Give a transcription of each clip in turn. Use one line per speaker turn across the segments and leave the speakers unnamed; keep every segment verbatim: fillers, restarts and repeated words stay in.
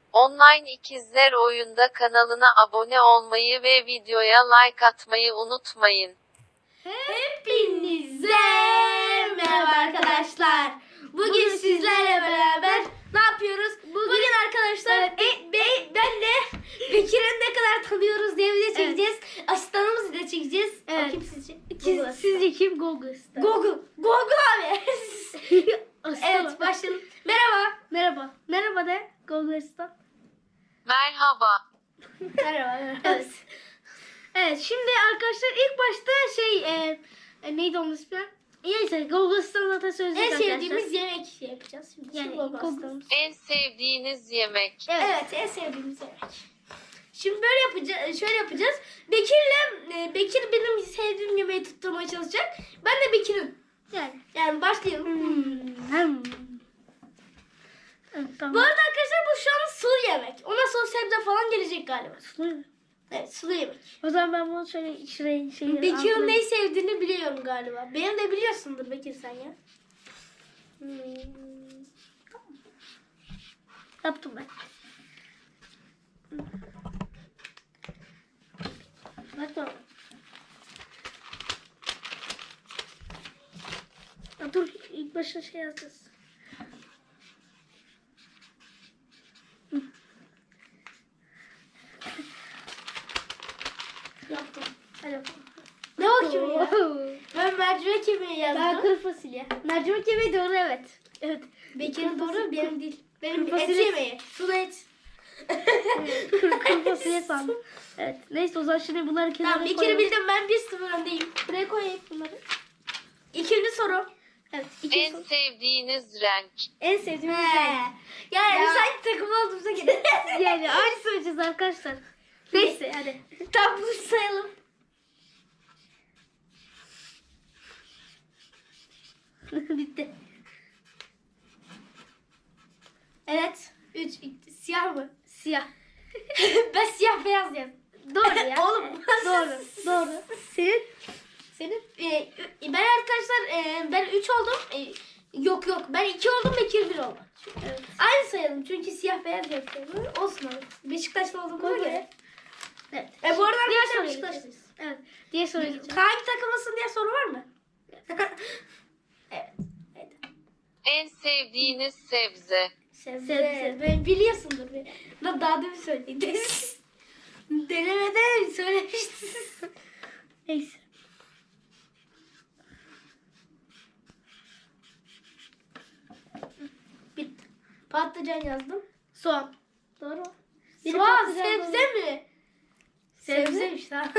Online İkizler Oyunda kanalına abone olmayı ve videoya like atmayı unutmayın.
Hepinize merhaba arkadaşlar. Bugün sizlerle beraber ne yapıyoruz? Bugün arkadaşlar e, be, ben de Bekir'i ne kadar tanıyoruz diye video çekeceğiz. Evet. Asistanımızı da çekeceğiz.
Evet.
O kim sizce?
Siz, sizce kim Google Star?
Google. Google abi. Evet başlayalım. Merhaba.
Merhaba. Merhaba de Google Star.
Merhaba.
Merhaba.
Evet. Evet şimdi arkadaşlar ilk başta şey e, e, neydi onun ismi? Neyse Google Star'ın atasözü
En
arkadaşlar.
sevdiğimiz yemek şey yapacağız şimdi.
Yani
Şimdi Google
Google-
asistanımız.
En sevdiğiniz yemek.
Evet. evet, en sevdiğimiz yemek. Şimdi böyle yapacağız, şöyle yapacağız. Bekir'le e, Bekir benim sevdiğim yemeği tutturmaya çalışacak. Ben de Bekir'in.
Yani.
Yani başlayalım.
Hmm. Hmm. Evet, tamam.
Bu arada arkadaşlar bu şu an sulu yemek. Ona sonra sebze falan gelecek galiba.
Sulu.
Evet, sulu yemek.
O zaman ben bunu şöyle şuraya şey
Bekir'in neyi sevdiğini biliyorum galiba. Benim de biliyorsundur Bekir sen ya. Hmm.
yaptım ben.
Bak tamam.
Ya dur ilk başta şey yazacağız.
Yaptım. Hadi bakalım. Ne bakayım ya? Ben mercimek yemeği
Daha
yazdım.
kuru fasulye. Mercimek yemeği doğru evet. Evet.
Bekir'in doğru benim değil. Benim
Kuru
et
fasulye-
yemeği. Sulu et.
kuru, kuru fasulye sandım. Evet. Neyse o zaman şimdi bunları kenara
Tamam Bekir'i
koyalım.
bildim ben bir sıfır öndeyim. Buraya koyayım bunları. İkinci soru.
Evet. iki
En
soru.
sevdiğiniz renk.
En sevdiğim
He.
renk.
Yani
Ya.
sanki takım olduğumuza gidelim.
Yani aynı söyleyeceğiz arkadaşlar. Neyse hadi.
Tamam bunu sayalım.
Bitti.
Evet. Üç. Siyah mı?
Siyah.
Ben siyah beyaz yazdım.
Doğru ya.
Oğlum.
Doğru. Doğru. Senin?
Senin? Ee, ben arkadaşlar e, ben üç oldum. E, yok yok ben iki oldum Bekir bir oldu.
Evet.
Aynı sayalım çünkü siyah beyaz yapıyorum. Olsun abi. Beşiktaşlı olduğumuza
Koy
göre.
Evet.
E bu arada
Diğer
arkadaşlar
soruya
Beşiktaşlıyız.
geçeceğiz. Evet. Diğer soruya geçeceğiz.
Hangi takımlısın diye soru var mı? evet. Evet.
En sevdiğiniz sebze.
Sebze.
Sebze.
Ben biliyorsundur. Ben daha demin söyledim. Denemede söylemiştiniz.
Neyse.
Bitti. Patlıcan yazdım.
Soğan. Doğru. Biri
Soğan
patlıcan
sebze mi?
Sebze.
Sebzeymiş tamam.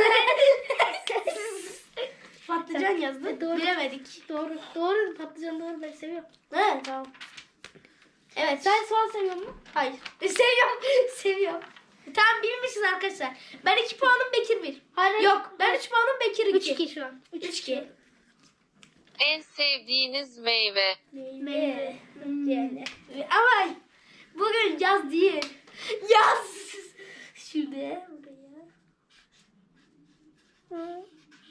Patlıcan yazdım.
E, doğru.
Bilemedik.
Doğru. Doğru. Patlıcan doğru. Ben seviyorum.
Evet tamam. Evet.
Sen soğan seviyor musun?
Hayır. E, seviyorum. Seviyorum. Tamam bilmişiz arkadaşlar. Ben iki puanım Bekir bir.
Hayır.
Yok ben üç puanım Bekir iki.
üç iki şu an.
üç iki.
En sevdiğiniz meyve.
Meyve. Yani. Ama bugün yaz değil. Yaz. Şimdi buraya.
Hı.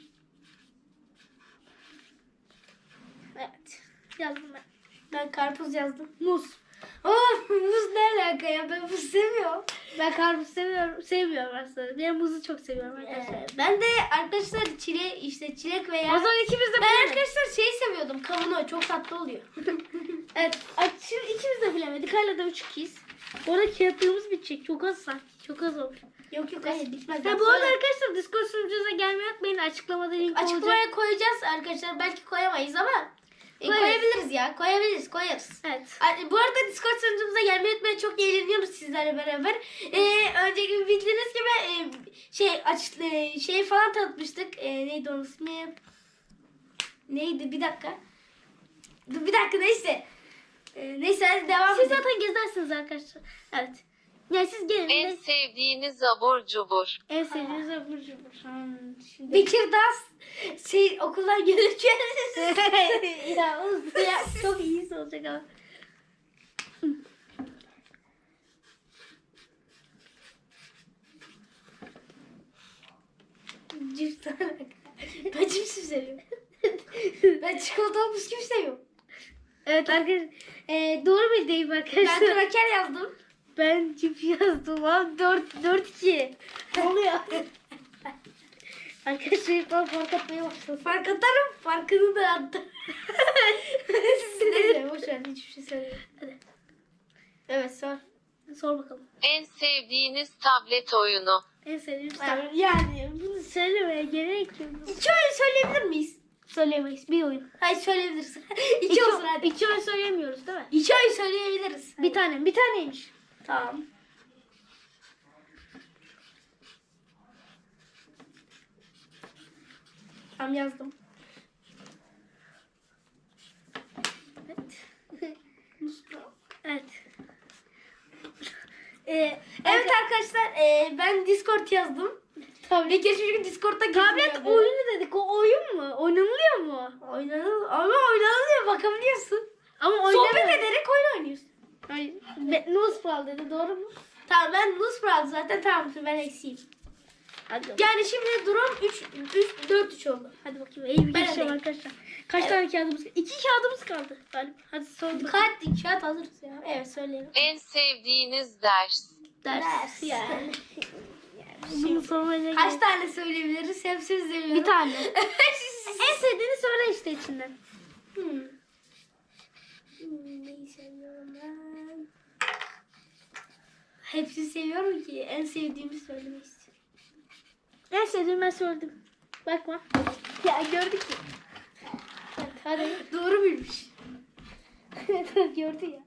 Evet.
Yazdım ben.
Ben karpuz yazdım.
Muz.
Oh muz ne alaka ya ben muz sevmiyorum.
Ben karpuz seviyorum. Sevmiyorum aslında. Ben muzu çok seviyorum arkadaşlar.
Ee, ben de arkadaşlar çile işte çilek veya
O zaman ikimiz de
ben
bilemedik.
arkadaşlar şeyi seviyordum kavunu çok tatlı oluyor.
Evet. ay, Şimdi ikimiz de bilemedik. Hala da üç ikiyiz. Orada kağıtlarımız bitecek. Çok az sanki. Çok az oldu.
yok yok hayır bitmez.
Ha, bu arada arkadaşlar Discord sunucunuza gelmeyi unutmayın. Açıklamada link olacak.
açıklamaya koyacağız arkadaşlar belki koyamayız ama e,
Koyarız.
koyabiliriz ya koyabiliriz koyarız.
Evet.
Ay, bu arada Discord sunucumuza gelmeyi unutmayın. Çok eğleniyoruz sizlerle beraber. Ee, önceki bildiğiniz gibi e, şey aç e, şey falan tanıtmıştık. E, neydi onun ismi? Neydi? Bir dakika. Dur bir dakika neyse. E, neyse hadi devam
Siz
edelim.
zaten gezersiniz arkadaşlar. Evet. Yani siz gelin.
En
En,
sevdiğiniz abur cubur.
en sevdiğiniz abur cubur. Hmm, şimdi.
Bekir Das şey okuldan gelirken
ya, o- ya çok iyisi olacak ama.
cips ben cips seviyorum. Ben çikolatalı bisküvi seviyorum.
Evet arkadaşlar. E, doğru bildeyim
Ben
arkadaşlar.
kraker yazdım.
Ben çift yazdım lan. dört dört iki. Ne oluyor? Arkadaşlar ilk ben fark atmaya başladım.
Fark atarım. Farkını da attım. Neyse boş ver. Hiçbir şey söylemiyorum.
Hadi
Evet sor.
sor bakalım.
En sevdiğiniz tablet oyunu.
En sevdiğim
Yani,
kitap.
yani
Bunu söylemeye gerek yok.
iki oyun söyleyebilir miyiz?
Söylemeyiz. Bir oyun.
Hayır söyleyebiliriz. iki,
İki,
olsun hadi.
iki oyun söyleyemiyoruz değil mi?
İki oyun söyleyebiliriz.
Bir tane. Bir taneymiş.
Tamam. Tamam yazdım.
Evet. Evet.
Ee, evet arkadaşlar e, ben Discord yazdım. Tabii. Ve geçmiş gün Discord'da
Tablet
gezdim.
oyunu dedik. O oyun mu? Oynanılıyor mu?
Oynanıl ama oynanılıyor bakabiliyorsun.
Ama
Sohbet
oynanıyor.
ederek oyun oynuyorsun.
Hayır. Be- Nuzpral dedi. Doğru mu?
Tamam ben Nusbral zaten tamam ben eksiyim.
Hadi bakalım.
Yani şimdi durum üç üç dört üç oldu.
Hadi bakayım. İyi bir
Ben
geçeceğim
öndeyim.
arkadaşlar. Kaç
Evet.
tane kağıdımız kaldı? İki kağıdımız kaldı galiba. Hadi sor bakalım.
Kaç kağıt hazırız ya. Evet söyleyelim.
En sevdiğiniz ders.
Ders.
Ders.
Yani. Bunu sormaya
Kaç
gerek-
tane söyleyebiliriz? Hepsini seviyorum.
Bir tane. En sevdiğini söyle işte içinden.
Hmm. Hmm, neyi seviyorum ben? Hepsini seviyorum ki en sevdiğimi söylemek istiyorum.
En sevdiğimi ben söyledim. Bakma. Ya gördük ya. Evet, hadi.
Doğru bilmiş.
Gördü ya.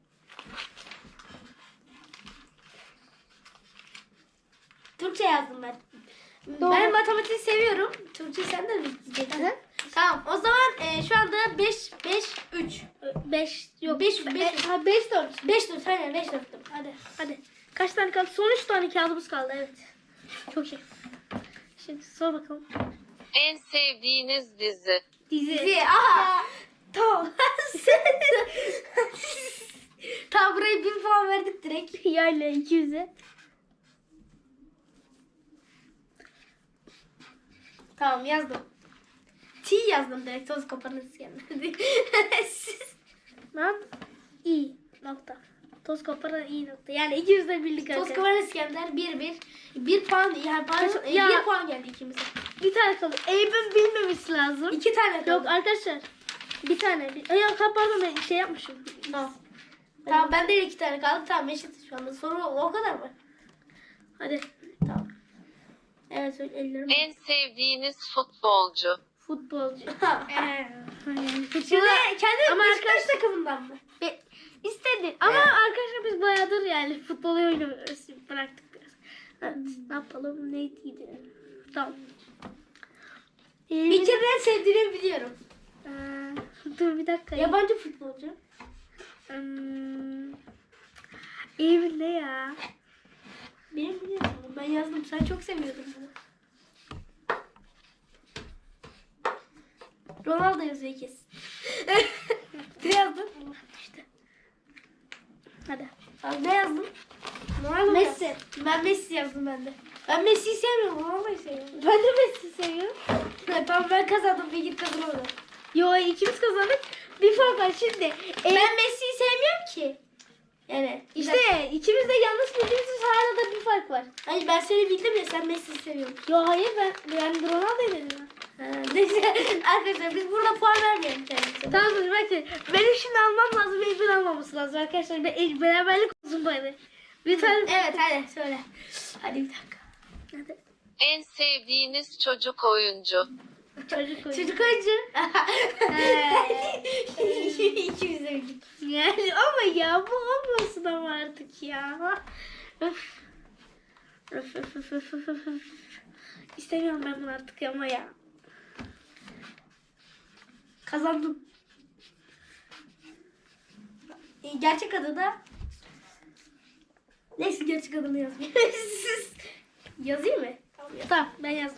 Türkçe yazdım ben.
Doğru.
Ben matematiği seviyorum. Türkçe sen de mi diyeceksin?
Hı.
Tamam. O zaman e, şu anda beş beş üç.
Beş yok.
Beş-
Be-
beş-
ha, beş dört.
beş dört aynen beş dörttüm. Hadi.
Hadi. Kaç tane kaldı? Son üç tane kağıdımız kaldı. Evet. Çok iyi. Şimdi sor bakalım.
En sevdiğiniz dizi.
Dizi.
Dizi. Aha. Tamam. Tamam burayı bir puan verdik direkt.
Yayla iki yüze.
Tamam yazdım. T yazdım direkt toz kapanırız yani.
Lan iyi nokta. Toz koparan iyi nokta. Yani iki yüzde birlik
Toz
arkadaşlar.
kapanır İskender bir bir. Bir puan yani pardon,
Kaç-
e,
ya.
bir puan geldi ikimize.
Bir tane kaldı. Eyüp'ün bilmemesi lazım.
İki tane kaldı.
Yok arkadaşlar. Bir tane. Bir... Ay, yok, pardon ben şey yapmışım.
Tamam. Tamam bende de iki tane kaldı. Tamam eşit şu anda. Soru o kadar mı?
Hadi.
Tamam. Evet söyle ellerim.
En sevdiğiniz futbolcu.
Futbolcu.
Ha.
Ee, yani
Şimdi
futbola-
kendi
Ama
Beşiktaş
arkadaş-
takımından mı?
Be- istedi. Ama
Evet.
arkadaşlar biz bayağıdır yani futbolu oynuyoruz. Bıraktık biraz. Evet, ne yapalım neydi? Tamam. Ee,
Bir kere en sevdiğini biliyorum.
Ee, dur bir dakika.
Yabancı futbolcu.
Hmm, Eylül ne ya?
Benim biliyorum. Ben yazdım. Sen çok seviyordun bunu. Ronaldo yazıyor kesin. Ne yazdın?
İşte. Hadi.
Abi ne yazdın? Ronaldo mu
Messi.
yazdın? Ben Messi yazdım ben de. Ben Messi'yi sevmiyorum. Ronaldo'yu seviyorum.
Ben de Messi seviyorum.
Ha, tamam ben kazandım. Bir git kazanamadım.
Yo ikimiz kazandık. Bir fark var şimdi. E,
Ben Messi'yi sevmiyorum ki. Yani
işte ikimiz de yanlış bildiğimiz için hala da bir fark var.
Hayır ben seni bildim ya sen Messi'yi seviyorsun.
Yo hayır ben ben Ronaldo dedim.
Ha, neyse arkadaşlar biz burada puan vermeyelim kendimize.
Tamam dur bekle. Benim şimdi almam lazım. Benim almaması lazım arkadaşlar. Be- beraberlik olsun bari. Lütfen.
Evet hadi söyle. Hadi bir dakika.
Hadi.
En sevdiğiniz çocuk oyuncu.
Çocuk oyunu.
Çocuk oyuncu. İkimiz de bildik.
Yani ama ya bu olmasın ama artık ya. Öf. Öf öf öf öf öf öf. öf. İstemiyorum ben bunu artık ama ya.
Kazandım. E, Gerçek adı da neyse gerçek adını yazmayayım. Yazayım mı? Tamam yaz.
Tamam ben yazdım.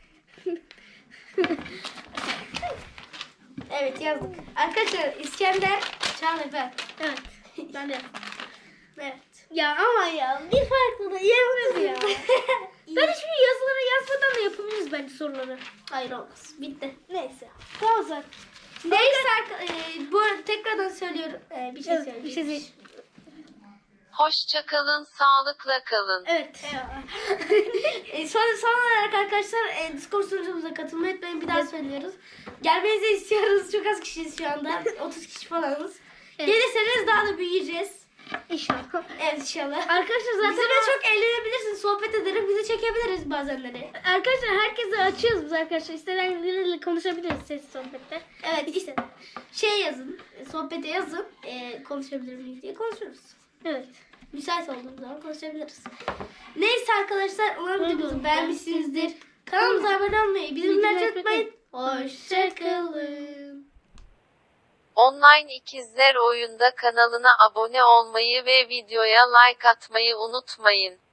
Evet yazdık. Arkadaşlar İskender Çağlafer.
Evet. Ben de yazdım.
Evet.
Ya ama ya bir farklı da yemez ya. Ben hiçbir yazıları yazmadan da yapabiliriz bence soruları.
Hayır olmaz. Bitti.
Neyse. Tamam zaten.
Neyse arka- e, bu arada tekrardan söylüyorum. E, bir şey
Evet,
söyleyeyim.
bir şey söyle.
Hoşça kalın, sağlıkla kalın.
Evet. e, son, son olarak arkadaşlar e, Discord sunucumuza katılmayı unutmayın. Bir daha söylüyoruz. Gelmenizi istiyoruz. Çok az kişiyiz şu anda. otuz kişi falanız.
Evet.
Gelirseniz daha da büyüyeceğiz.
İnşallah.
Evet inşallah.
Arkadaşlar zaten
Bizimle çok eğlenebilirsiniz. Sohbet ederek bizi çekebiliriz bazenleri.
arkadaşlar herkese açıyoruz biz arkadaşlar. İsteyenleriyle konuşabiliriz ses sohbette.
Evet
İkisi.
işte şey yazın. e, Sohbete yazın. E, konuşabilir miyiz diye konuşuruz.
Evet.
Müsait olduğumuz zaman konuşabiliriz. Neyse arkadaşlar umarım
Umarım
videomuzu beğenmişsinizdir. Kanalımıza abone olmayı, bildirimleri
Bildirimleri
unutmayın. Hoşçakalın.
Online İkizler Oyunda kanalına abone olmayı ve videoya like atmayı unutmayın.